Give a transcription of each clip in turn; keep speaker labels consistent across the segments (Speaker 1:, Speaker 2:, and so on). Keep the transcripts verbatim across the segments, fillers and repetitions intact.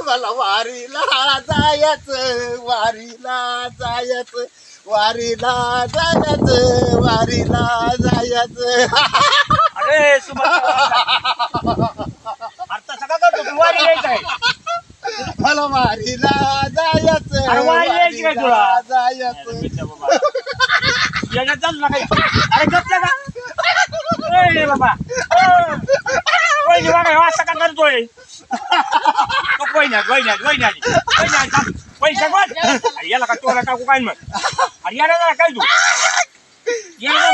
Speaker 1: मला वारीला जायचं वारीला जायचं वारीला जायचं वारीला जायचं.
Speaker 2: अरे सुभाष आता सगळं करतो तू वारी यायचं आहे.
Speaker 1: मला वारीला जायचं
Speaker 2: अरे वारी यायची काय तुला?
Speaker 1: वारीला जायचं.
Speaker 2: येण्यात चालू नका. अरे गप्पा का ए बाबा वहिनी बघा असं का करतोय तो वहिन्यात वहिन्यात वहिन्यात वहिन्यात पैसा कोण अरे याला का तोला टाकू काय मग अरे याला जरा काय तू याला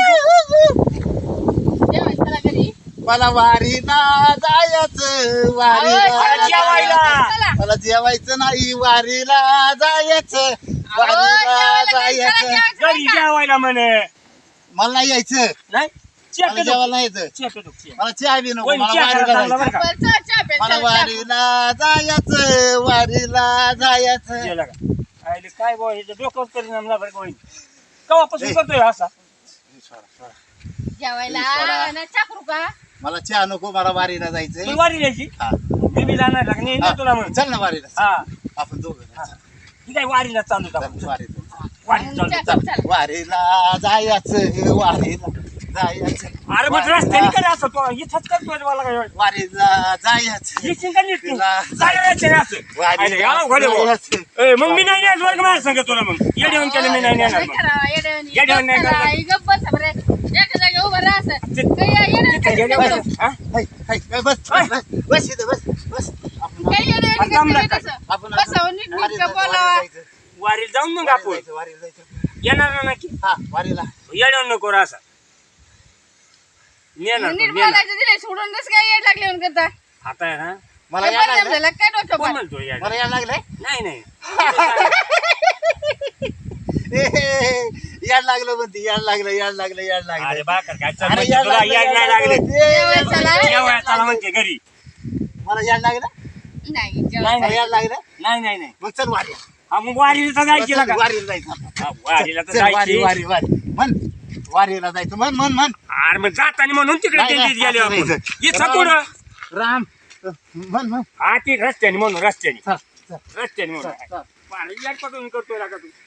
Speaker 1: मला वारीला जायचं वारीला
Speaker 2: जेवायला
Speaker 1: मला जेवायचं नाही वारीला जायचं वारीला जायचं.
Speaker 2: घरी जेवायला म्हणे
Speaker 1: मला नाही यायचं
Speaker 2: नाही
Speaker 1: मला जेवायला नाही यायचं
Speaker 2: चेक येतो चेक
Speaker 1: मला चहा बी नको
Speaker 2: वहिनी
Speaker 1: मला
Speaker 2: चहा
Speaker 1: वारीला
Speaker 2: करायला
Speaker 1: जायचं
Speaker 2: बरं का
Speaker 1: मला वारीला जायचं वारीला जायचं.
Speaker 2: जेवला का आईले काय बोल हे डोक्यावर परिणाम ना बरं का वहिनी केव्हापासून करतोय असा
Speaker 3: जेवायला ना चाकरू का
Speaker 1: मला चहा नको मला वारीला जायचंय.
Speaker 2: तू वारी द्यायची
Speaker 1: हा.
Speaker 2: मी बी जाणार लागणे
Speaker 1: हा.
Speaker 2: तुला मग
Speaker 1: चल ना वारीला
Speaker 2: हा
Speaker 1: आपण दोघं
Speaker 2: ही काय वारीला चालू का
Speaker 1: चल, वारीला
Speaker 2: वारी चालू
Speaker 3: चल, चल.
Speaker 1: वारीला जायचं वारीला जायचं
Speaker 2: अरे मग रस्त्याने काय असं तो इथंच करतोय मला काय
Speaker 1: वारीला जायचं
Speaker 2: ही चिंता नीट तू
Speaker 1: तिला
Speaker 2: जायचं नाही असं आईले या घडे भाऊ. ए, मग मी नाही येणार वर्ग माझ्या सांगत तुला मग येऊन केलं मी नाही येणार मग येड्यावर नाही करणार. तिथं गेल्यावर, हा?
Speaker 1: हाय, हाय, हाय, बस बस बस बस इथं, बस बस आपण
Speaker 3: बसावं नीट
Speaker 1: वारीला
Speaker 3: नीट बोलावा.
Speaker 1: जायचं,
Speaker 2: वारीला जाऊन मग आपण
Speaker 1: वारीला जायचं, वारीला जायचं.
Speaker 2: येणार ना नक्की
Speaker 1: हा वारीला
Speaker 2: येणार नको रे असं नेणार
Speaker 3: नीट
Speaker 2: नेणार
Speaker 3: बोलायचं दिले सोडून कसं काय येड लागले म्हणून करता
Speaker 2: आता आहे ना
Speaker 1: मला
Speaker 3: काय
Speaker 1: यायला
Speaker 3: परिणाम
Speaker 1: लागलंय
Speaker 3: झाला काय डोक्यावर
Speaker 2: कोण म्हणतो यार
Speaker 1: मला यायला लागलंय
Speaker 2: नाही नाही
Speaker 1: ए, याड लागलं म्हणते याड लागलं याड लागलं याड
Speaker 2: अरे
Speaker 1: लागलं
Speaker 2: बाकर काय
Speaker 1: अरे
Speaker 2: चाललंय
Speaker 1: याड
Speaker 2: तुला
Speaker 1: लागलं,
Speaker 2: याड नाही
Speaker 1: याड
Speaker 2: लागले
Speaker 1: लागलं. ए,
Speaker 3: जेवायला चला.
Speaker 2: जेवायला चला म्हणते घरी
Speaker 1: मला याड लागलं
Speaker 3: नाही
Speaker 2: नाही,
Speaker 3: जेवायला.
Speaker 1: मला याड लागलं
Speaker 2: नाही नाही नाही
Speaker 1: मग चल वारीला
Speaker 2: हा मग वारीला तर जायची
Speaker 1: चल,
Speaker 2: का
Speaker 1: वारीला जायचं आपण.
Speaker 2: हा, वारीला तर
Speaker 1: चल, वारी
Speaker 2: जायची
Speaker 1: वारी वारी म्हण वारीला जायचं म्हण म्हण म्हण
Speaker 2: अरे मग जाताना म्हणून तिकडे
Speaker 1: नाही, नाही,
Speaker 2: दिल्लीत गेले
Speaker 1: असं
Speaker 2: आपण
Speaker 1: नाही.
Speaker 2: इथं पुढं
Speaker 1: राम म्हण म्हण
Speaker 2: हा ती रस्त्याने म्हणून रस्त्याने
Speaker 1: चल, चल,
Speaker 2: रस्त्याने म्हणून
Speaker 1: चल, चल.
Speaker 2: वारी याड पकडून करतोय का तू